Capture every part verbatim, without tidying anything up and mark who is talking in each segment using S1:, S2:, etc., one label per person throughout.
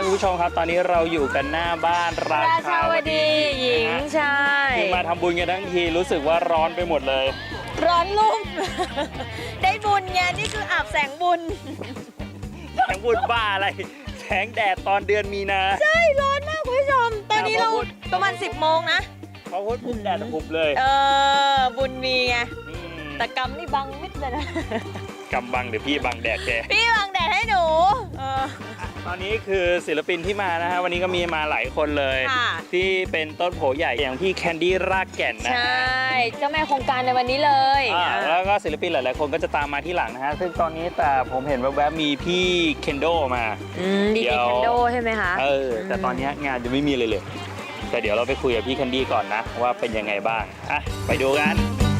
S1: คุณผู้ชมครับตอนนี้เราอยู่กันหน้าบ้านราชาวดี
S2: หญิงชาย
S1: คือมาทำบุญกันทั้งทีรู้สึกว่าร้อนไปหมดเลย
S2: ร้อนลุ่ม ได้บุญไงนี่คืออาบแสงบุญ
S1: แสงบุญบ้าอะไรแสงแดดตอนเดือนมีนา
S2: ใช่ร้อนมากคุณผู้ชมตอนนี้เราประมาณสิบโมงนะ
S1: พอพูดปุ๊บแดดปุบเลย
S2: เออบุญมีไงแต่กำนี่บังมิดเลยนะ
S1: กำบังเดี๋ยวพี่บังแดดแก
S2: พี่บังแดดให้หนู
S1: ตอนนี้คือศิลปินที่มานะฮะวันนี้ก็มีมาหลายคนเลยที่เป็นต้นโผใหญ่อย่างพี่แคนดี้รากแก่นนะ
S2: ใช่เจ้าแม่โครงการในวันนี้เลย
S1: แล้วก็ศิลปินหลายๆคนก็จะตามมาที่หลังนะฮะซึ่งตอนนี้แต่ผมเห็นแวบๆมีพี่เคนโดมา
S2: ดีเคนโดใช่ไหมคะ
S1: เออแต่ตอนนี้งานจะไม่มีเลยเลยแต่เดี๋ยวเราไปคุยกับพี่แคนดี้ก่อนนะว่าเป็นยังไงบ้างอ่ะไปดูกัน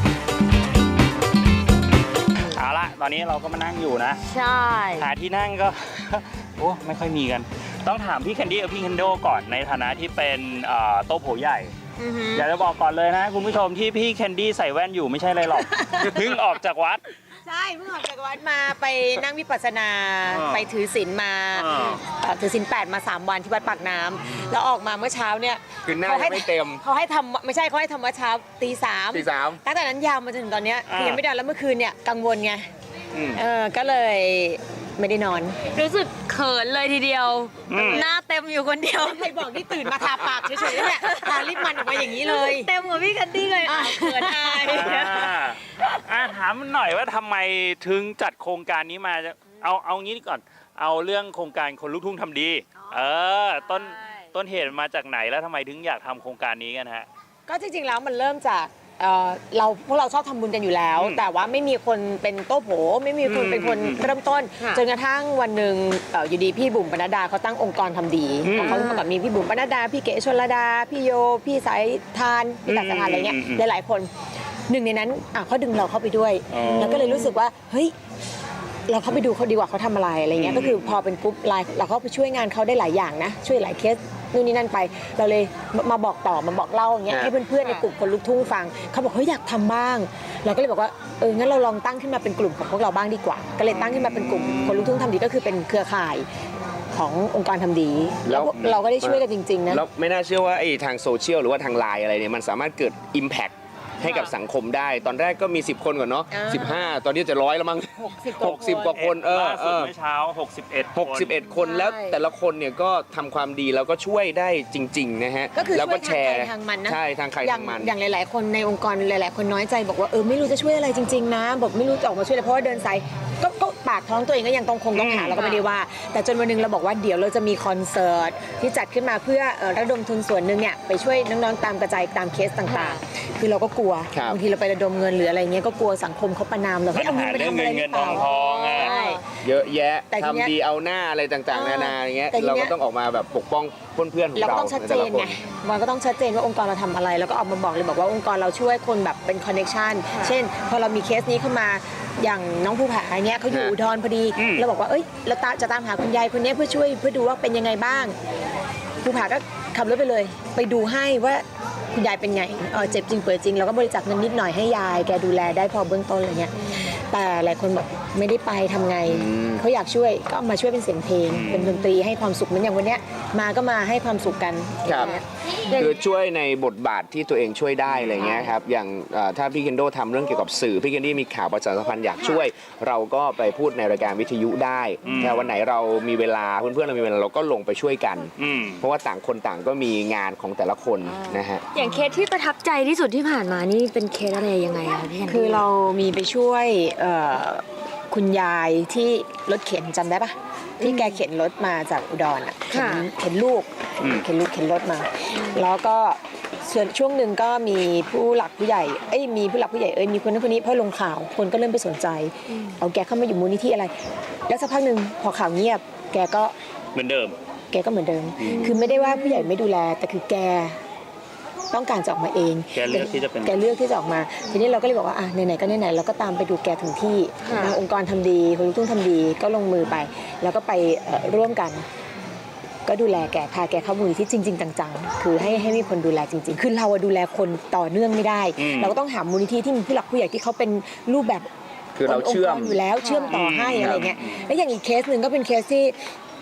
S1: เอาละตอนนี้เราก็มานั่งอยู่นะ
S2: ใช่
S1: หาที่นั่งก็โอ้ไม่ค่อยมีกันต้องถามพี่แคนดี้กับพี่เคนโดก่อนในฐานะที่เป็นโต๊ะโผใหญ่อยากจะบอกก่อนเลยนะคุณผู้ชมที่พี่แคนดี้ใส่แว่นอยู่ไม่ใช่อะไรหรอกเพิ่งออกจากวัด
S2: ใช่เพิ่งออกจากวัดมาไปนั่งวิปัสสนาไปถือศีลมาถือศีลแปดมาสามวันที่วัดปากน้ำแล้วออกมาเมื่อเช้าเนี่ย
S3: คือหน้าไม่เต็ม
S2: เขาให้ทำไม่ใช่เขาให้ทำเมื่อเช้าตีสาม
S3: ตีสาม
S2: ตั้งแต่นั้นยาวมาจนถึงตอนนี้คือยังไม่ได้แล้วเมื่อคืนเนี่ยกังวลไงเออก็เลยไม่ได้นอนรู้สึกเขินเลยทีเดียวหน้าเต็มอยู่คนเดียวใครบอกที่ตื่นมาทาปากเฉยๆเนี่ยทาลิปมันออกมาอย่างนี้เลยเต็มกว่าพี่กันดี้เลยเขินอาย
S1: ถามหน่อยว่าทำไมถึงจัดโครงการนี้มาเอาเอางี้ก่อนเอาเรื่องโครงการคนลูกทุ่งทำดีเออต้นต้นเหตุมาจากไหนแล้วทำไมถึงอยากทำโครงการนี้กันฮะ
S2: ก็จริงๆแล้วมันเริ่มจากเราพวกเราชอบทำบุญกันอยู่แล้วแต่ว่าไม่มีคนเป็นโต๊ะโผไม่มีคนเป็นคนเริ่มต้นจนกระทั่งวันหนึ่งอยู่ดีพี่บุ๋มปนัดดาเขาตั้งองค์กรทำดีเขาเมื่อก่อนมีพี่บุ๋มปนัดดาพี่เก๋ชลดาพี่โยพี่สายทานพี่ตัดสถานอะไรเงี้ยหลายๆคนหนึ่งในนั้นเขาดึงเราเข้าไปด้วยแล้วก็เลยรู้สึกว่าเฮ้ยเราเข้าไปดูเขาดีกว่าเขาทำอะไรอะไรเงี้ยก็คือพอเป็นกรุ๊ปไลน์เราเข้าไปช่วยงานเขาได้หลายอย่างนะช่วยหลายเคสนู่นนี่นั่นไปเราเลยมาบอกต่อมาบอกเล่าอย่างเงี้ยให้เพื่อนๆในกลุ่มคนลูกทุ่งฟังเขาบอกเฮ้ยอยากทำบ้างเราก็เลยบอกว่าเอองั้นเราลองตั้งขึ้นมาเป็นกลุ่มของพวกเราบ้างดีกว่าก็เลยตั้งขึ้นมาเป็นกลุ่มคนลูกทุ่งทำดีก็คือเป็นเครือข่ายขององค์การทำดีแล้วเราก็ได้ช่วยกันจริงๆนะ
S3: แล้วไม่น่าเชื่อว่าไอ้ทางโซเชียลหรือว่าทางไลน์อะไรเนี่ยมันสามารถเกิด impactให้กับสังคมได้ตอนแรกก็มีสิบคนก่อนเนาะสิบห้าตอนนี้จะร้อยแล้วมั้งหกสิบกว่าคนเออ
S1: เออเมื่อเช้าหกสิบเอ็ด
S3: หกสิบเอ็ดคนแล้วแต่ละคนเนี่ยก็ทำความดีแล้วก็ช่วยได้จริงๆนะฮะ
S2: แล้วก็แชร์ทางมันนะ
S3: ใช่ทางใครทางมัน
S2: อย่างหลายๆคนในองค์กรหลายๆคนน้อยใจบอกว่าเออไม่รู้จะช่วยอะไรจริงๆนะบอกไม่รู้จะออกมาช่วยอะไรเพราะว่าเดินสายก็ก็ปากท้องตัวเองก็ยังต้องคงต้องหาเราก็ไม่ได้ว่าแต่จนวันนึงเราบอกว่าเดี๋ยวเราจะมีคอนเสิร์ตที่จัดขึ้นมาเพื่อระดมทุนส่วนหนึ่งเนี่ยไปช่วยน้องๆตามกระจายตามเคสต่างๆคือเราก็กลัวบางทีเราไประดมเงินหรืออะไรเงี้ยก็กลัวสังคมเขาประนามเรา
S1: ให้เอาเงินไปทำอะไรเงินทองทองอ่ะ
S3: เยอะแยะทำดีเอาหน้าอะไรต่างๆนานาอย่างเงี้ยเราก็ต้องออกมาแบบปกป้องเพื่อนๆของเรา
S2: เราก็ต้องชัดเจนไงมันก็ต้องชัดเจนว่าองค์กรเราทำอะไรแล้วก็ออกมาบอกเลยบอกว่าองค์กรเราช่วยคนแบบเป็นคอนเนคชั่นเช่นพอเรามีเคสนี้เข้ามาอย่างน้องภูผาเงี้ยเขาอยู่อุดรพอดีเราบอกว่าเอ้ยเราจะตามหาคุณยายคนนี้เพื่อช่วยเพื่อดูว่าเป็นยังไงบ้างภูผาก็ขับรถไปเลยไปดูให้ว่าคุณยายเป็นไงเออเจ็บจริงเปิดจริงเราก็บริจาคเงินนิดหน่อยให้ยายแกดูแลได้พอเบื้องต้นอะไรเงี้ยแต่หลายคนบอกไม่ได้ไปทำไงเขาอยากช่วยก็มาช่วยเป็นเสียงเพลงเป็นดนตรีให้ความสุขเหมือนอย่างวันเนี้ยมาก็มาให้ความสุขกัน
S3: ครับคือช่วยในบทบาทที่ตัวเองช่วยได้อะไรเงี้ยครับอย่างถ้าพี่เคนโดทำเรื่องเกี่ยวกับสื่อพี่เคนดี้มีข่าวประชาสัมพันธ์อยากช่วยเราก็ไปพูดในรายการวิทยุได้แต่วันไหนเรามีเวลาเพื่อนๆเรามีเวลาเราก็ลงไปช่วยกันเพราะว่าต่างคนต่างก็มีงานของแต่ละคนนะฮะ
S2: อย่างเคสที่ประทับใจที่สุดที่ผ่านมานี่เป็นเคสอะไรยังไงคะพี่คือเรามีไปช่วยคุณยายที่รถเข็นจำได้ปะที่แกเข็นรถมาจากอุดรอ่ะเข็นเข็นลูกเข็นลูกเข็นรถมาแล้วก็ส่วนช่วงหนึ่งก็มีผู้หลักผู้ใหญ่เอ้ยมีผู้หลักผู้ใหญ่เอ้ยมีคนนั้นคนนี้พอลงข่าวคนก็เริ่มไปสนใจเอาแกเข้ามาอยู่มูลนิธิอะไรแล้วสักพักหนึ่งพอข่าวเงียบแกก็
S1: เหมือนเดิม
S2: แกก็เหมือนเดิมคือไม่ได้ว่าผู้ใหญ่ไม่ดูแลแต่คือแกต้องการจะออกมาเอง
S1: แกเลือกที่จะเป็น
S2: แกเลือกที่จะออกมาทีนี้เราก็เลยบอกว่าอ่ะไหนๆก็ไหนๆเราก็ตามไปดูแกถึงที่ทางองค์กรทำดีคนลูกทุ่งทำดีก็ลงมือไปแล้วก็ไปร่วมกันก็ดูแลแกพาแกเข้ามูลที่จริงๆจังๆคือให้ให้มีคนดูแลจริงๆคือเราดูแลคนต่อเนื่องไม่ได้เราก็ต้องหามูลนิธิที่มีผู้หลักผู้ใหญ่ที่เขาเป็นรูปแบบ
S3: คือเราเชื่อม
S2: อยู่แล้วเชื่อมต่อให้อะไรเงี้ยแล้วอย่างอีกเคสหนึ่งก็เป็นเคสที่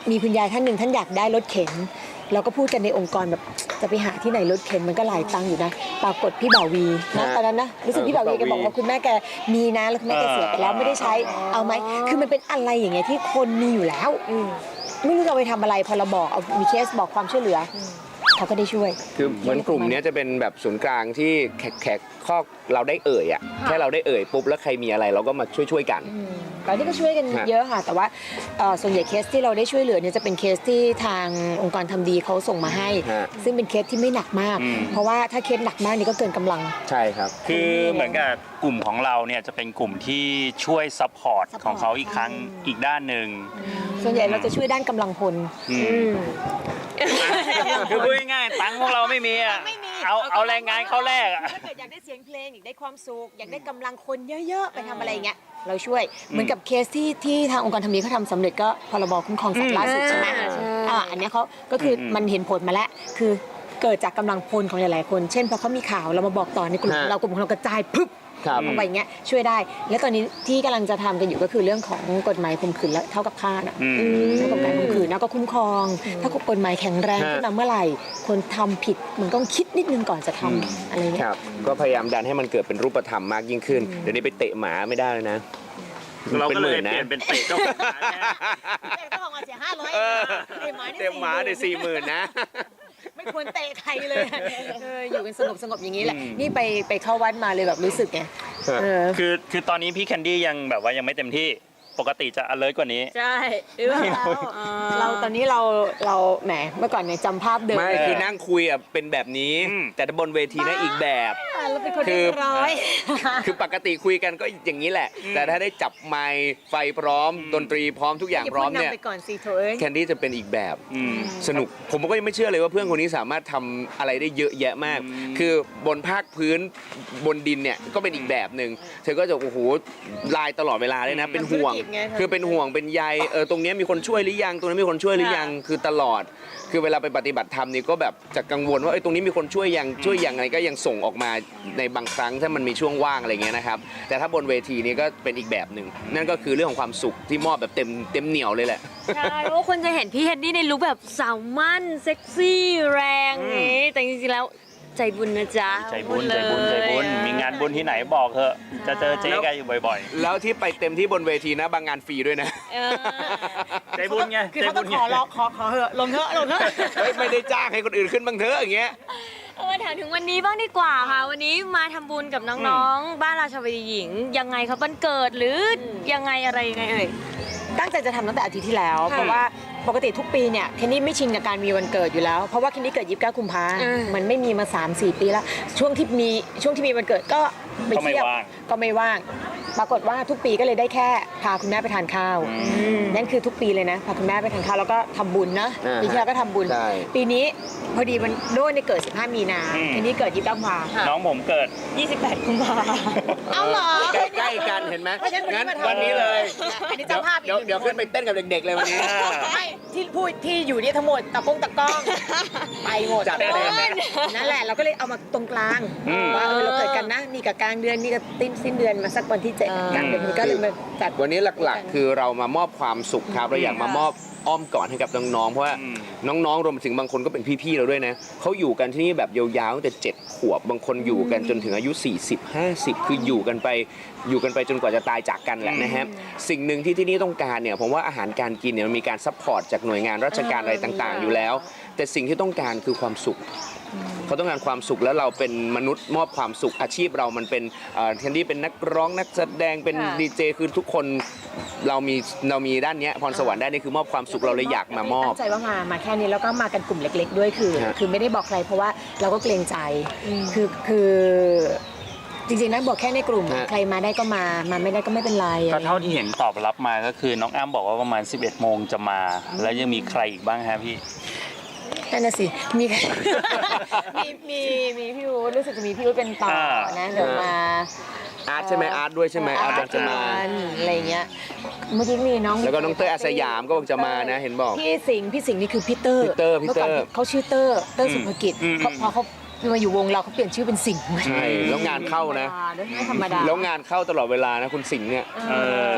S2: มีคุณยายท่านหนึ่งท่านอยากได้รถเข็นเราก็พูดกันในองค์กรแบบจะไปหาที่ไหนรถเข็นมันก็หลายตังค์อยู่นะปรากฏพี่บ่าววีนะตอนนั้นนะรู้สึกพี่บ่าววีแกบอกว่าคุณแม่แกมีนะแล้วคุณแม่แกเสียไปแล้วไม่ได้ใช้เอาไหมคือมันเป็นอะไรอย่างเงี้ยที่คนมีอยู่แล้วไม่รู้จะเอาไปทำอะไรพอเราบอกเอามีเคสบอกความช่วยเหลือเขาก็ได้ช่วย
S3: คือเหมือนกลุ่มเนี้ยจะเป็นแบบศูนย์กลางที่แขกแขกข้อเราได้เอ่ยอ่ะแค่เราได้เอ่ยปุ๊บแล้วใครมีอะไรเราก็มาช่วยช่วยๆกัน
S2: ตอนนี้ก็ช่วยกัน
S3: ฮะ
S2: เยอะค่ะ แต่ว่าเอ่อส่วนใหญ่เคสที่เราได้ช่วยเหลือเนี่ยจะเป็นเคสที่ทางองค์กรทำดีเขาส่งมาให้
S3: ฮะ
S2: ซึ่งเป็นเคสที่ไม่หนักมาก
S1: อืม
S2: เพราะว่าถ้าเคสหนักมากนี่ก็เกินกำลัง
S3: ใช่ครับ
S1: คือเหมือนกับกลุ่มของเราเนี่ยจะเป็นกลุ่มที่ช่วยซัพพอร์ต
S2: support
S1: ของเขาอีกครั้งอีกด้านหนึ่ง
S2: ส่วนใหญ่เราจะช่วยด้านกำลังพล
S1: อืม คือพูดง่ายๆตังค์พวกเราไม่มีอ่ะ
S2: ไม่มี
S1: เอาเอาแรงงานเขาแลกอ่ะ
S2: ถ้าเกิดอยากได้เสียงเพลงอยากได้ความสุขอยากได้กำลังคนเยอะๆ ไปทำอะไรอย่างเงี้ยเราช่วยเหมือนกับเคสที่ที่ทางองค์กรทำดีเขาทำสำเร็จก็พรบคุ้มครองสัตว์ล่าสุดใช่ไหม
S4: อ่าใช่
S2: อ่าอันเนี้ยเขาก็คืออ
S1: ม
S2: มันเห็นผลมาแล้วคือเกิดจากกำลังพลของหลายๆคน เช่นพอเขามีข่าวเรามาบอกต่อในกลุ่ม
S3: ฮะ
S2: ของเรากลุ่มของเรากระจายพึบ
S3: ครับ
S2: ออกไปอย่างเงี้ยช่วยได้ และตอนนี้ที่กำลังจะทำกันอยู่ก็คือเรื่องของกฎหมายข่มขืนและเท่ากับฆ่าน่ะ
S1: อืม
S2: เรื่องของการข่มขืนแล้วก็คุ้มครอง ถ้ากฎหมายแข็งแรง
S3: ฮะ
S2: ขึ้นมาเมื่อไหร่ คนทำผิดมันต้องคิดนิดนึงก่อนจะทำอะไร
S3: ค
S2: เงี้ย
S3: รับก็พยายามดันให้มันเกิดเป็นรูปธรรมมากยิ่งขึ้น เดี๋ยวนี้ไปเตะหมาไม่ได้เลยนะ
S1: เรา
S3: เป็น
S1: ก็
S3: ห
S1: เลย
S3: มื่น
S1: เป
S3: นะ
S1: ลี่ยนเป็นเตะเจ้าของร้านนะ
S2: เจ้าของมาเสียห้าร้อย
S3: เออ
S2: เตะหมานี่
S3: เตะหมาในสี่หมื่นนะ
S2: ไม่ควรเตะใครเลยเอออยู่กันสงบสงบอย่างนี้แหละ
S1: อืม
S2: นี่ไปไปเข้าวัดมาเลยแบบรู้สึกไงเออ
S1: คือคือตอนนี้พี่แคนดี้ยังแบบว่ายังไม่เต็มที่ปกติจะ alert กว่านี้
S4: ใช่หรือว่า
S2: เราตอนนี้เราเราแหมเมื่อก่อนเนี่ยจำภาพเดิม
S3: ไม่คือนั่งคุยอ่ะเป็นแบบนี้
S1: อืม
S3: แต่ถ้าบนเวทีนะอีกแบบ
S2: เราเป็นคน
S3: คื
S2: เรี
S3: อ
S2: ยบร้อย
S3: คือปกติคุยกันก็อย่างนี้แหละ แต่ถ้าได้จับไมค์ไฟพร้อม ดนตรีพร้อมทุกอย่างพร้อมเนี่ย
S2: ไปก่อนสิโถเอ้ย
S3: แคนดี้จะเป็นอีกแบบ
S1: อืม
S3: สนุกผมก็ยังไม่เชื่อเลยว่าเพื่อนคนนี้สามารถทำอะไรได้เยอะแยะมาก
S1: อืม
S3: คือบนภาคพื้นบนดินเนี่ยก็เป็นอีกแบบหนึ่งเธอก็จะโอ้โหลายตลอดเวลาเลยนะ เป็นห่วง
S2: ทำธุรกิจไง
S3: คือเป็นห่วงเป็นใยเออตรงเนี้ยมีคนช่วยหรือยังตรงนั้นมีคนช่วยหรือยังคือตลอด คือเวลาไปปฏิบัติธรรมนี่ก็แบบจะกังวลว่าไอ้ยตรงนี้มีคนช่วยยังช่วยยังไงก็ยังส่งออกมาในบางครั้งถ้ามันมีช่วงว่างอะไรเงี้ยนะครับแต่ถ้าบนเวทีนี้ก็เป็นอีกแบบหนึ่งนั่นก็คือเรื่องของความสุขที่มอบแบบเต็มเต็มเหนียวเลยแหละ
S4: ใช่เพราะว่าคนจะเห็นพี่เฮดดี้ในลุคแบบสาวมั่นเซ็กซี่แรงนี้ แต่จริงๆแล้วใจบุญนะจ๊ะ
S1: ใจบุญ
S4: พูด
S1: ใจ
S4: เลย
S1: บุญใจบุญมีงานบุญที่ไหนบอกเถอะจะเจอเจ๊แกอยู่บ่อย
S3: แล้วที่ไปเต็มที่บนเวทีนะบางงานฟรีด้วยนะ
S4: เออ
S1: ๆ ใจบุญไง
S2: คือ
S1: ใจ
S2: เขา
S1: บุ
S2: ต้อ
S1: ญ
S2: ง
S1: ไง
S2: ขอร้องขอขอเหอะลงเถอะลงเถอะ
S3: เฮ้ยไม่ได้จ้างให้คนอื่นขึ้นบ้างเถอะอย่างเงี้ย
S4: เออถามถึงวันนี้บ้างดีกว่าค่ะ วันนี้มาทำบุญกับน้องๆ บ้านราชาวดีหญิง ยังไงครับวันเกิดหรือยังไงอะไรยังไงเอ่ย
S2: ตั้งใจจะทำตั้งแต่อาทิตย์ที่แล้ว
S4: ค่ะ
S2: เพราะว่าปกติทุกปีเนี่ยเคนนี่ไม่ชินกับการมีวันเกิดอยู่แล้ว เพราะว่าเคนนี่เกิดยี่สิบเก้ากุมภา
S4: อืม
S2: มันไม่มีมา สามสี่ ปีแล้ว ช่วงที่มีช่วงที่มีวันเกิดก็ไปเที่ยวก็ไม่ว่าง ปรากฏว่าทุกปีก็เลยได้แค่พาคุณแม่ไปทานข้าว นั่นคือทุกปีเลยนะ พาคุณแม่ไปทานข้าวแล้วก็ทำบุญนะ
S3: อ่าฮะ
S2: ปีที่แล้วก็ทำบุญ
S3: ใช่
S2: ปีนี้พอดีมันโดนในยเกิด สิบห้า มีนาเคนนี่เกิดยี่สิบเก้ากุมภา
S1: น้องผมเกิด
S4: ยี่สิบแปดกุมภา
S2: เอาเหรอ
S3: ใกล้ๆกันเห็นไหม
S2: เพราะฉะนั้น
S3: งั้น
S2: วันนี้มาทำ
S3: วันนี้เลย
S2: อันนี้เจ้าภาพอีก
S3: เดี๋ยว
S2: หนึ่ง
S3: เดี๋ยว
S2: คน
S3: ขึ้นไปเต้นกับเด็กๆเลยวันนี้
S2: ไม่ที่พูดที่อยู่เนี่ยทั้งหมดตะกงตะกล้องไปหมด
S3: จัดเต็ม
S2: นั่นแหละเราก็เลยเอามาตรงกลาง
S1: อืม
S2: ว่าเออเราเกิดกันนะนี่กับกลางเดือนนี่กับติ้นสิ้นเดือนมาสักวันที่เจ็ด
S4: อ่า
S2: กลางเดือนมันก็เลยมาจัด
S3: วันนี้หลักๆ คือเรามามอบความสุขครับเราอยากมามอบอ้อมกอดให้กับน้องๆเพราะว่า
S1: อืม
S3: น้องๆรวมถึงบางคนก็เป็นพี่ๆเราด้วยนะเขาอยู่กันที่นี่แบบยาวๆตั้งแต่เจ็ดขวบบางคนอยู่กันจนถึงอายุ สี่สิบ ห้าสิบ คืออยู่กันไปอยู่กันไปจนกว่าจะตายจากกันแหละนะฮะสิ่งหนึ่งที่ที่นี่ต้องการเนี่ยผมว่าอาหารการกินเนี่ยมันมีการซัพพอร์ตจากหน่วยงานราชการอะไรต่างๆ อยู่แล้ว แต่สิ่งที่ต้องการคือความสุข เขาต้องการความสุขแล้วเราเป็นมนุษย์มอบความสุขอาชีพเรามันเป็นเอ่อแทนที่เป็นนักร้องนักแสดงเป็น
S4: ค่ะ
S3: ดีเจคือทุกคนเรามีเรามีด้านเนี้ยพรสวรรค์ด้านนี้คือมอบความสุขเราเลยอยากมามอบ
S2: ตั้งใจว่ามามาแค่นี้แล้วก็มากันกลุ่มเล็ก ๆ ด้วยคือ
S3: ฮะ
S2: คือไม่ได้บอกใครเพราะว่าเราก็เกรงใจคือคือจริงๆนะบอกแค่ในกลุ่มใครมาได้ก็มามาไม่ได้ก็ไม่เป็นไร
S1: ก็เท่าที่เห็นตอบรับมาก็คือน้องอ้ำบอกว่าประมาณ สิบเอ็ดโมงจะมา แล้วยังมีใครอีกบ้างฮะพี่
S2: นั่นน่ะสิมี มีมีมีพี่อู๊ดรู้สึกจะมีพี่อู๊ดเป็นต่อ
S1: อ่า
S2: นะเดี๋ยวมา
S3: อาร์ตใช่ไหมอาร์ตด้วยใช่ไหมอาร์ตบอกจะมา
S2: อะไรเงี้ยเมื่อกี้มีน้อง
S3: แล้วก็น้องเต้ยอาสยามก็บอกจะมานะเห็นบอก
S2: พี่สิงห์พี่สิงห์นี่คือพี่เตอร์
S3: พี่เตอร์พี่เตอร์
S2: มื่ก่นเขาชื่อเตอร์เตอร์สุภกิจ
S1: อืม
S2: เขาพอเขามาอยู่วงเราเขาเปลี่ยนชื่อเป็นสิงห์
S3: ใช่แล้วงานเข้านะ
S2: ไม่ธรรมดา
S3: แล้วงานเข้าตลอดเวลานะคุณสิงห์เนี่ย
S2: เออส่วนใหญ่ก็เป็น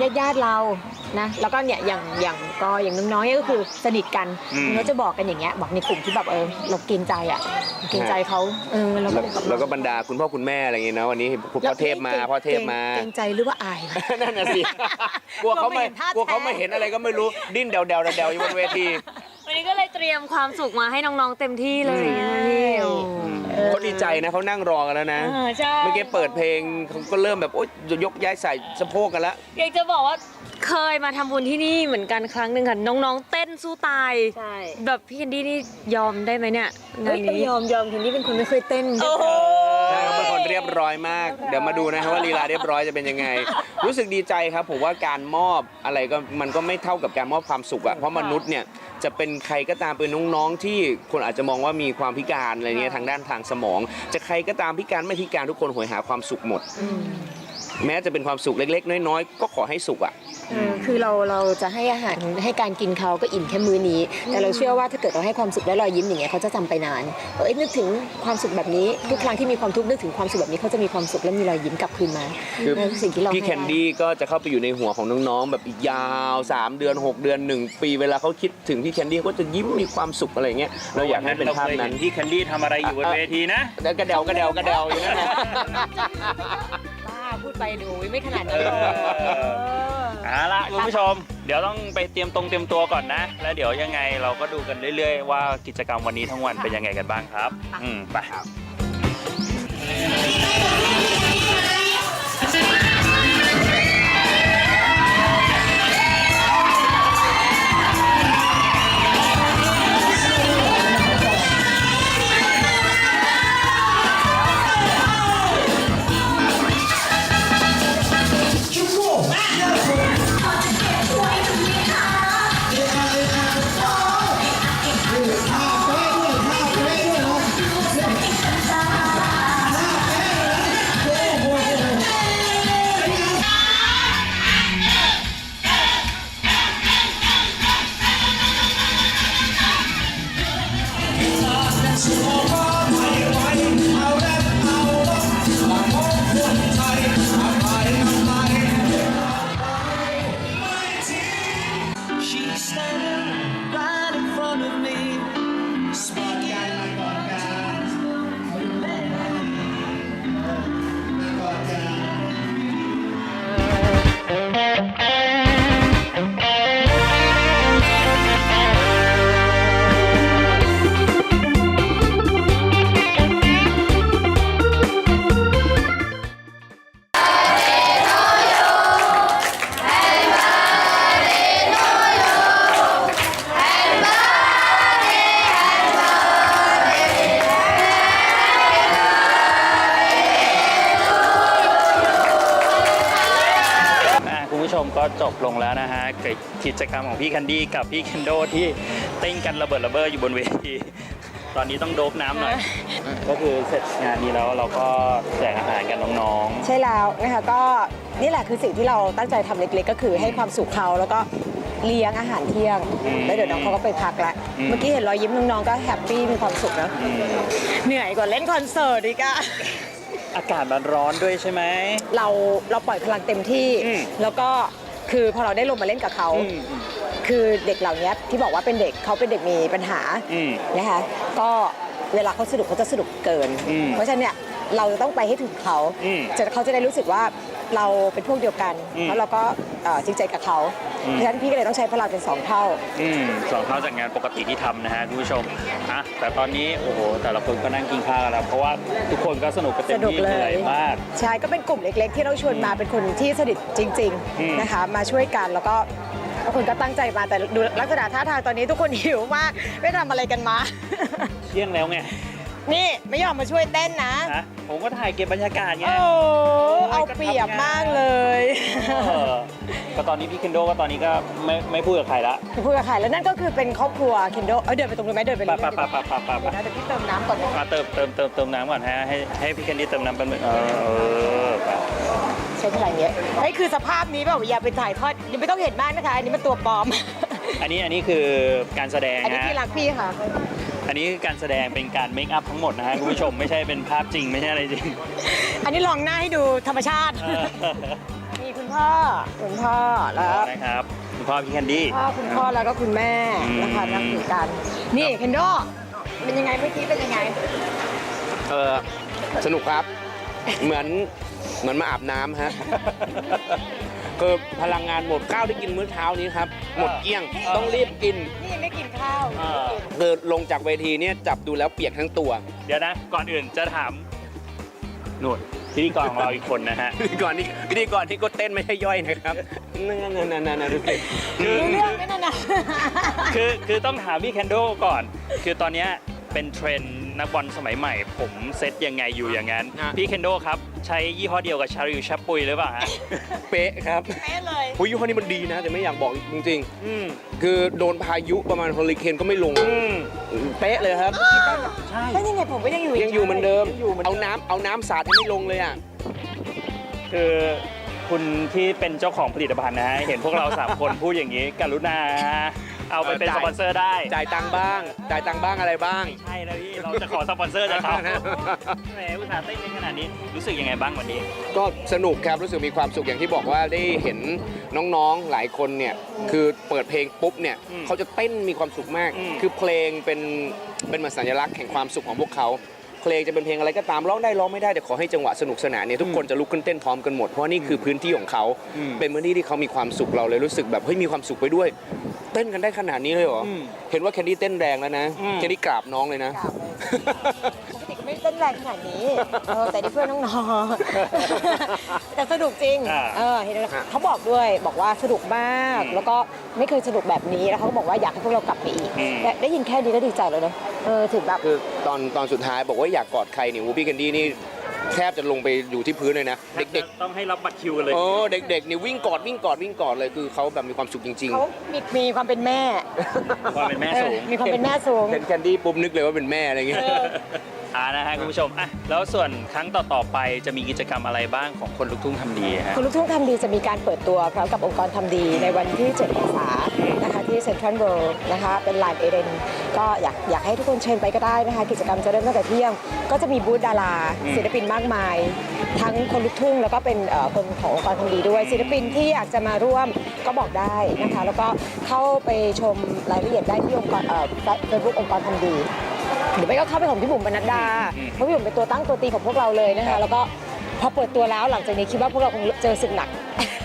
S2: ญาติญาติๆเรานะแล้วก็เนี่ยอย่างอย่างก็อย่างน้องๆเนี่ยก็คือสนิทกัน
S1: อืม
S2: เขาจะบอกกันอย่างเงี้ยบอกในกลุ่มที่แบบเออเราเกรงใจอ่ะเกรงใจเขาเออเราก็
S3: แล้ว
S2: เลยแบบ
S3: แล้วก็บรรดาคุณพ่อคุณแม่อะไรอย่างเงี้ยนะวันนี้พ่อเทพมาพ่อเทพมา
S2: เกรงใจหรือว่าอาย
S3: นั่นน่ะสิกลัวเขาไม่
S2: กลัวไม่เห็นท่าก
S3: ลัวเขาไม่เห็นอะไรก็ไม่รู้ดิ้นเดาเดาเดาอยู่บนเวที
S4: วันนี้ก็เลยเตรียมความสุขมาให้น้องๆเต็มที่เลยนะพี่โอ้
S3: เขาดีใจนะเขานั่งรอกันแล้วนะ
S4: เออใช่
S3: เมื่อกี้เปิดเพลงเขาก็เริ่มแบบโอ๊ยยกย้ายใส่สะโพกกันแล้ว
S4: อยากจะบอกว่าเคยมาทำบุญที่นี่เหมือนกันครั้งหนึ่งค่ะน้องๆเต้นสู้ตาย
S2: ใช่
S4: แบบพี่แคนดี้นี่ยอมได้ไหมเนี่ยงา
S2: เฮ้
S4: น
S2: ยต้อง
S4: นี้
S2: ยอมยอมคนนี้เป็นคนไม่เคยเต้น
S4: โอ้โห
S3: ใช่เขาเป็นคนเรียบร้อยมาก เดี๋ยวมาดูนะครับว่าลีลาเรียบร้อยจะเป็นยังไง รู้สึกดีใจครับผมว่าการมอบอะไรก็มันก็ไม่เท่ากับการมอบความสุขอะเพราะมนุษย์เนี่ยจะเป็นใครก็ตามเป็นน้องๆที่คนอาจจะมองว่ามีความพิการอะไรเงี้ยทางด้านทางสมอง จะใครก็ตามพิการไม่พิการทุกคนโหยหาความสุขหมด แม้จะเป็นความสุขเล็กๆ น้อยๆก็ขอให้สุขอะ
S2: เออคือเราเราจะให้อาหารให้การกินเขาก็อิ่มแค่มื้อนี้ แต่เราเชื่อว่าถ้าเกิดเราให้ความสุขและรอยยิ้มอย่างเงี้ยเขาจะจำไปนานเอ้ยนึกถึงความสุขแบบนี้ทุกครั้งที่มีความทุกข์นึกถึงความสุขแบบนี้เขาจะมีความสุขและมีรอยยิ้มกลับคืนมา
S3: คือ
S2: นั่นสิ่งที่เรา
S3: พี่
S2: ให้
S3: แคนดี้ก็จะเข้าไปอยู่ในหัวของน้องๆแบบอีกยาวสามเดือนหกเดือนหนึ่งปีเวลาเขาคิดถึงพี่แคนดี้เขาก็จะยิ้มมีความสุขอะไรเงี้ยเราอยากให้เป็นภาพนั้น
S1: ที่แคนดี้ทำอะไรอยู่บนเวทีนะ
S3: แล้วกระเดากระเดากระเดาอยู่นั่นแหละ
S2: บ้าพูดไปดูไม่ขนาด
S1: เอ
S2: นั้นหรอก
S1: อเอาละคุณผู้ชม เดี๋ยวต้องไปเตรียมตรงเตรียมตัวก่อนนะ แล้วเดี๋ยวยังไงเราก็ดูกันเรื่อยๆว่ากิจกรรมวันนี้ทั้งวันเป็นยังไงกันบ้างครับ อืมไป
S5: She's standing right in front of me, speaking.
S1: อ่ะคุณผู้ชมก็จบลงแล้วนะฮะกับกิจกรรมของพี่แคนดี้กับพี่เคนโดที่เต้นกันระเบิดระเบ้ออยู่บนเวทีตอนนี้ต้องโดบน้ำหน่อย ก็คือเสร็จงานนี้แล้วเราก็แจกอาหารกันน้อง
S2: ใช่แล้วนะคะก็นี่แหละคือสิ่งที่เราตั้งใจทำเล็กๆ ก็คือให้ความสุขเขาแล้วก็เลี้ยงอาหารเที่ยงแล้วเดี๋ยวน้องเขาก็ไปพักละเมื่อกี้เห็นรอยยิ้มน้องๆก็แฮปปี้มีความสุขนะเหนื่อยกว่าเล่นคอนเสิร์ตอีกอะ
S1: ๆ อากาศมันร้อนด้วยใช่ไหม
S2: เราเราปล่อยพลังเต็มที่
S1: อืม
S2: แล้วก็คือพอเราได้ลงมาเล่นกับเขา
S1: อืมอืม
S2: คือเด็กเหล่านี้ที่บอกว่าเป็นเด็กเขาเป็นเด็กมีปัญหา
S1: อืม
S2: นะคะก็เวลาเขาสนุกเขาจะสนุกเกิน
S1: อืม
S2: เพราะฉะนั้นเนี่ยเราจะต้องไปให้ถึงเขา
S1: อืม
S2: จะเขาจะได้รู้สึกว่าเราเป็นพวกเดียวกัน
S1: อืม
S2: แล้วเราก็เอ่อจริงใจกับเขา
S1: อืม
S2: เพราะฉะนั้นพี่ก็เลยต้องใช้พลังเป็นสองเท่า
S1: อืมสองเท่าจากงานปกติที่ทำนะฮะคุณผู้ชมอ่ะแต่ตอนนี้โอ้โหแต่ละคนก็นั่งกินข้าวกันแล้วเพราะว่าทุกคนก็สนุกกันเต็ม
S2: สนุก
S1: ที่
S2: เลย
S1: เหนื่อยมาก
S2: ใช่ก็เป็นกลุ่มเล็กๆ ที่เราชวนมาเป็นคนที่สนิทจริง
S1: อืม
S2: ๆนะคะมาช่วยกันแล้วก็ทุกคนก็ตั้งใจมาแต่ดูลักษณะท่าทางตอนนี้ทุกคนหิวมากไม่ทำอะไรกันมา
S1: เที่ยงแล้วไง
S2: นี่ไม่ยอมมาช่วยเต้นนะ
S1: นะผมก็ถ่ายเก็บบรรยากาศไง
S2: โอ้เอาเปรียบมากเลย
S1: เออก็ตอนนี้พี่เคนโดก็ตอนนี้ก็ไม่ไม่พูดกับใครละ
S2: พูดกับใครแล้วนั่นก็คือเป็นครอบครัวเคนโดเออเดินไปตรงนู้นไหมเดินไป
S1: ปะ
S2: เลย
S1: ปะปะปะปะปะปะ
S2: นะเดี๋ยวพี่เติมน้ำก่อนนะ
S1: มาเติมเติมเติมเติมน้ำก่อนฮะให้ให้พี่เคนดี้เติมน้ำเป็นงเออเออไป
S2: ใช้พลังเยอะเฮ้ยคือสภาพนี้แบบอย่าไปถ่ายทอดยังไม่ต้องเห็นมากนะคะอันนี้มันตัวปลอม
S1: อันนี้อันนี้คือการแสดง
S2: อันนี้
S1: ฮะ
S2: พี่รักพี่ค่ะ
S1: อันนี้คือการแสดงเป็นการเมคอัพทั้งหมดนะฮะคุณผู้ชมไม่ใช่เป็นภาพจริงไม่ใช่อะไรจริง
S2: อันนี้ลองหน้าให้ดูธรรมชาติ
S1: เออ
S2: นี่คุณพ่อคุณพ่อแล้ว
S1: นะครับคุณพ่อพี่แคนดี้
S2: พ่อคุณพ่อแล้วก็คุณแม่นะคะนั่งอยู่กัน นี่เคนโดเป็นยังไงเมื่อกี้เป็นยังไง
S3: เออสนุกครับ เหมือนเหมือนมาอาบน้ำฮะ คือพลังงานหมดข้าวที่กินมื้อเช้านี้ครับ หมดเกลี้ยงต้องรีบกิน
S2: นี่ไม่กินข้าว
S1: เออ
S3: คือลงจากเวทีเนี่ยจับดูแล้วเปียกทั้งตัว
S1: เดี๋ยวนะ ก่อนอื่นจะถามนุ่นพิธีกรของเราอีกคนนะฮะ
S3: พิธีกรนี่พิธีกรที่ก็เต้นไม่ใช่ย่อยนะครับนั่นนั่นนั่นนั่นดูสิ
S1: คือ
S2: รู้เรื่องไหมนั่นน่ะ
S1: คือคือต้องถามพี่แคนโดก่อน คือตอนเนี้ยเป็นเทรนด์นักบอลสมัยใหม่ ผมเซตยังไงอยู่อย่างนั้น พี่เคนโดครับ ใช้ยี่ห้อเดียวกับชาริวชับปุยหรือเปล่าฮะ
S3: เป๊ะครับ
S2: เป๊ะเลย
S3: โอ้ยยี่ห้อนี้มันดีนะ แต่ไม่อยากบอกจริง
S1: อืม
S3: ๆ คือโดนพายุประมาณเฮอริเคนก็ไม่ลง
S1: อืม
S3: เป๊ะเลยครับ
S1: ใช่
S2: แล้วยังไงผมก็ยังอยู่
S3: ยังอยู่เหมือนเดิม
S2: ยังอยู่เหมือน
S3: เอา
S2: เดิม
S3: น้ำเอาน้ำสาดยังไม่ลงเลยอ่ะ
S1: คือคุณที่เป็นเจ้าของผลิตภัณฑ์นะฮะ เห็นพวกเราสามคนพูดอย่างนี้ กรุณาเอาไปเป็น
S3: เออ
S1: ส
S3: จ่าย
S1: ปอนเซอร์ได้
S3: จ่ายตังค์บ้าง จ่ายตังค์บ้างอะไรบ้าง
S1: ใช่แล้วพี่ เราจะขอสปอนเซอร์จากเขาแหมอุตส่าห์เต้นในขนาดนี้ รู้สึกยังไงบ้างวันนี้
S3: ก็สนุกครับ รู้สึกมีความสุขอย่างที่บอกว่าได้เห็นน้องๆหลายคนเนี่ย คือเปิดเพลงปุ๊บเนี่ย
S1: อืม
S3: เขาจะเต้นมีความสุขมาก
S1: อืม
S3: คือเพลงเป็นเป็นเหมือนสัญลักษณ์แห่งความสุขของพวกเขาเพลงจะเป็นเพลงอะไรก็ตามร้องได้ร้องไม่ได้แต่ขอให้จังหวะสนุกสนานเนี่ยทุกคนจะลุกขึ้นเต้นพร้อมกันหมดเพราะนี่คือพื้นที่ของเขา
S1: อืม
S3: เป็นพื้นที่ที่เขามีความสุขเราเลยรู้สึกแบบเฮ้ยมีความสุขไปด้วย เต้นกันได้ขนาดนี้เลยเหรอ
S1: อืม
S3: เห็นว่าแคนดี้เต้นแรงแล้วนะ
S1: อืม
S3: แคนดี้กราบน้องเลยนะ
S2: กราบเลยปกติก็ไม่ได้เต้นแรงขนาดนี้เออแต่นี่เพื่อนน้องๆ แต่สนุกจริง
S1: อ่า
S2: เออเห็นไหมเขาบอกด้วยบอกว่าสนุกมาก
S1: อืม
S2: แล้วก็ไม่เคยสนุกแบบนี้แล้วเขาก็บอกว่าอยากให้พวกเรากลับไปอีก
S1: อืม
S2: แต่ได้ยินแค่นี้ก็ดีใจแล้วเนอะเออถึงแบบ
S3: คือตอนตอนสุดท้ายบอกว่าอยากกอดใครเนี่ยวูพี่แคนดี้นี่แทบจะลงไปอยู่ที่พื้นเลยนะ เด็ก
S1: ต้องให้รับบัตรคิวกันเลย
S3: ๆโอ้เด็กๆนี่วิ่งกอดวิ่งกอดวิ่งกอดเลยคือเขาแบบมีความสุขจริง
S2: เขามีมีความเป็นแม่
S1: ความเป็นแม่สูง
S2: เออมีความเป็นแม่สูง
S3: ๆเห็นแคนดี้ปุ๊บนึกเลยว่าเป็นแม่อะไรเงี้ย
S1: อ่านะฮะคุณผู้ชมอ่ะแล้วส่วนครั้งต่อๆไปจะมีกิจกรรมอะไรบ้างของคนลุกทุ่งทำดีฮะ
S2: คุณลูกทุ่งทำดีจะมีการเปิดตัวพร้อมกับองค์กรทำดีในวันที่เจ็ดเมษายนนะคะที่เซ็นทรัลเวิลด์นะคะเป็นลานเอเดนก็อยากอยากให้ทุกคนเชิญไปก็ได้นะคะกิจกรรมจะเริ่มตั้งแต่เที่ยง ก็จะมีบูธดารา
S1: อืม
S2: ศิลปินมากมาย ทั้งคนลูกทุ่งแล้วก็เป็นเอ่อคนขององค์กรทำดีด้วยศิลปินที่อยากจะมาร่วมก็บอกได้นะคะแล้วก็เข้าไปชมรายละเอียดได้ที่องค์กรเฟซบุ๊กองค์กรทำดี หรือไม่ก็เข้าไปของพี่บุ๋มปนัดดา
S1: อืม
S2: เพราะพี่บุ๋มเป็นตัวตั้งตัวตีของพวกเราเลยนะคะ แล้วก็พอเปิดตัวแล้วหลังจากนี้คิดว่าพวกเราคงเจอศึกหนัก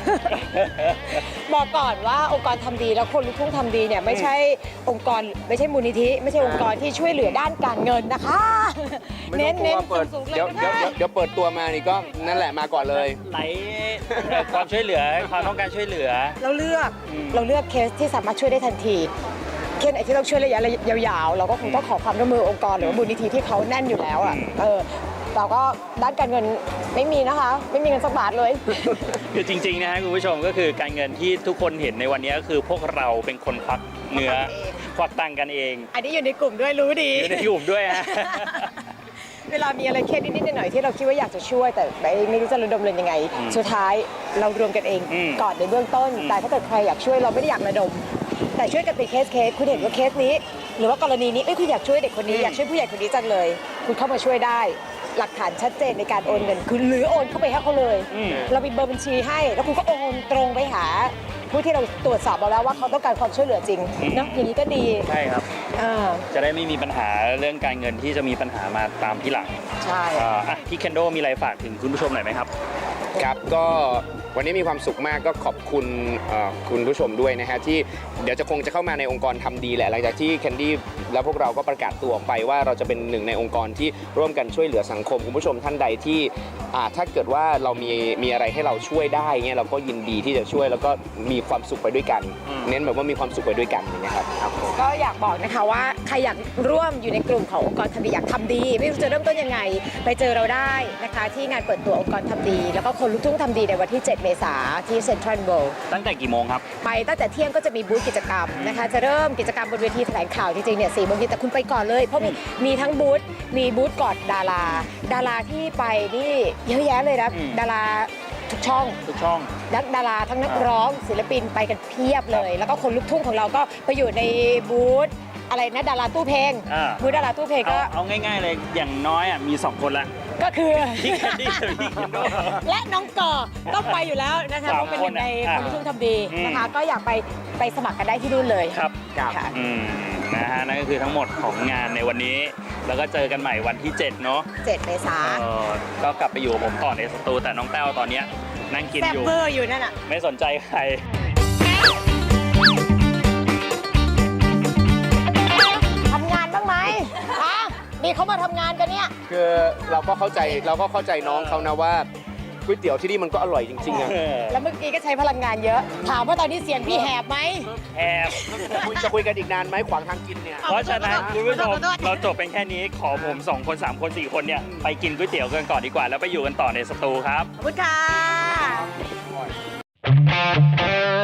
S2: บอกก่อนว่าองค์กรทำดีแล้วคนลุกทุ่งทำดีเนี่ยไม่ใช่องค์กรไม่ใช่มูลนิธิไม่ใช่องค์กรที่ช่วยเหลือด้านการเงินนะคะ
S3: ไม่
S2: เน้น
S3: ต้องกลั
S2: เน้น
S3: วเปิด
S2: สูงๆเลย
S3: เดี๋ยว
S2: ก็
S3: เดี๋ยว
S2: ได้
S3: เดี๋ยวเดี๋ยวเปิดตัวมานี่ก็นั่นแหละมาก่อนเลย
S1: ไหลเอ่อความช่วยเหลือความต้องการช่วยเหลือ
S2: เราเลือก
S1: อืม
S2: เราเลือกเคสที่สามารถช่วยได้ทันทีเคสไหนที่ต้องช่วยระยะยาวๆ เราก็คงต้องขอความร่วมมือองค์กรหรือว่ามูลนิธิที่เขาแน่นอยู่แล้วอ่ะ
S1: อืม
S2: เออเราก็ด้านการเงินไม่มีนะคะ ไม่มีเงินสักบาทเลย
S1: คือจริงๆนะฮะคุณผู้ชมก็คือการเงินที่ทุกคนเห็นในวันนี้ก็คือพวกเราเป็นคนควักเนื้อควักตังค์กันเอง
S2: อันนี้อยู่ในกลุ่มด้วยรู้ดี
S1: อยู่ในกลุ่มด้วยฮะ
S2: เวลามีอะไรเคสนิดๆหน่อยๆที่เราคิดว่าอยากจะช่วย แต่ไม่ไม่รู้จะระดมเงินยังไง
S1: อืม
S2: สุดท้ายเรารวมกันเอง
S1: อืม
S2: ก่อนในเบื้องต้น
S1: อืม
S2: แต่ถ้าเกิดใครอยากช่วยเราไม่ได้อยากระดม แต่ช่วยกันเป็นเคสเคสคุณเห็นว่าเคสนี้ หรือว่ากรณีนี้เอ้ยคุณอยากช่วยเด็กคนนี้อยากช่วยผู้ใหญ่คนนี้จังเลย คุณเข้ามาช่วยได้ หลักฐานชัดเจนในการโอนเงินคือหรือโอนเข้าไปให้เขาเลย
S1: อืม
S2: เรามีเบอร์บัญชีให้ แล้วคุณก็โอนตรงไปหา ผู้ที่เราตรวจสอบมาแล้วว่าเขาต้องการความช่วยเหลือจริง
S1: อืม
S2: เนาะอย่างนี้ก็ดี
S1: ใช่ครับ
S2: อ่า
S1: จะได้ไม่มีปัญหาเรื่องการเงินที่จะมีปัญหามาตามที่หลัง
S2: ใช่
S1: อ่าอ่ะพี่เคนโดมีอะไรฝากถึงคุณผู้ชมหน่อยไหมครับ
S3: ครับก็วันนี้มีความสุขมากก็ขอบคุณเอ่อคุณผู้ชมด้วยนะฮะที่เดี๋ยวจะคงจะเข้ามาในองค์กรทำดีแหละหลังจากที่แคนดี้และพวกเราก็ประกาศตัวออกไปว่าเราจะเป็นหนึ่งในองค์กรที่ร่วมกันช่วยเหลือสังคมคุณผู้ชมท่านใดที่อ่าถ้าเกิดว่าเรามีมีอะไรให้เราช่วยได้เงี้ยเราก็ยินดีที่จะช่วยแล้วก็มีความสุขไปด้วยกัน
S1: อืม
S3: เน้นแบบว่ามีความสุขไปด้วยกันอย่างเงี้ยครับครับผม
S2: ก็อยากบอกนะคะว่าใครอยากร่วมอยู่ในกลุ่มขององค์กรทำดีอยากทำดี ไม่รู้จะเริ่มต้นยังไง ไปเจอเราได้นะคะ ที่งานเปิดตัวองค์กรทำดี แล้วก็คนลุกทุ่งทำดีในวันที่ เจ็ด เมษายนที่เซ็นทรัลเวิลด์
S1: ตั้งแต่กี่โมงครับ
S2: ไปตั้งแต่เที่ยงก็จะมีบูธกิจกรรมนะคะ จะเริ่มกิจกรรมบนเวทีแถลงข่าวจริงๆเนี่ยสี่โมงเย็นแต่คุณไปก่อนเลย เพราะมีมีทั้งบูธมีบูธกอดดารา ดาราที่ไปนี่เยอะแยะเลยนะ
S1: อืม
S2: ดาราทุกช่อง
S1: ทุกช่อง
S2: นักดาราทั้งนักร้องศิลปินไปกันเพียบเลย แล้วก็คนลูกทุ่งของเราก็ไปอยู่ในบูธอะไรนะดาราตู้เพลง
S1: อ่า
S2: บูธดาราตู้เพลง
S1: เอา
S2: ก็
S1: เอาง่ายๆเลยอย่างน้อยอ่ะมีสองคนละ
S2: ก็คือ
S1: พี่แคนดี้กับพี่เคนโด
S2: และน้องก่อต้องไปอยู่แล้วนะคะ
S1: สาม
S2: เพราะเป็นหนึ่งใน
S1: คน
S2: ค
S1: อ่ะ
S2: นลูกทุ่งทำดี
S1: อืม
S2: นะคะ ก็อยากไปไปสมัครกันได้ที่นู่นเลย
S1: ครับ
S2: ค่ะ
S1: อืมนะฮะนั่นก็คือทั้งหมดของงานในวันนี้ แล้วก็เจอกันใหม่วันที่เจ็ดเนาะ
S2: เจ็ดเมษา
S1: เออก็กลับไปอยู่กับผมต่อในสตูแต่น้องแต้วตอนเนี้ยนั่งกิน
S2: แซ่บ
S1: อยู่
S2: เบอร์อยู่นั่นอ่ะ
S1: ไม่สนใจใคร
S2: ทำงานบ้างไหมอ่ะนี่เขามาทำงานกันเนี่ย
S3: คือเราก็เข้าใจเราก็เข้าใจน้องเขานะว่าก๋วยเตี๋ยวที่นี่มันก็อร่อยจริงๆอะ
S2: แล้วเมื่อกี้ก็ใช้พลังงานเยอะ ถามว่าตอนนี้เสียงพี่แหบไหม
S1: แอบ
S3: จะคุยจะคุยกันอีกนานไหมขวางทางกินเนี่ย
S1: เพราะฉะนั้นคุณผู้ชม
S2: ขอโทษ
S1: เราจบเป็นแค่นี้ขอผมสองคนสามคนสี่คนเนี่ยไปกินก๋วยเตี๋ยวกันก่อนดีกว่า แล้วไปอยู่กันต่อในสตูครับ
S2: ขอบคุณค่ะ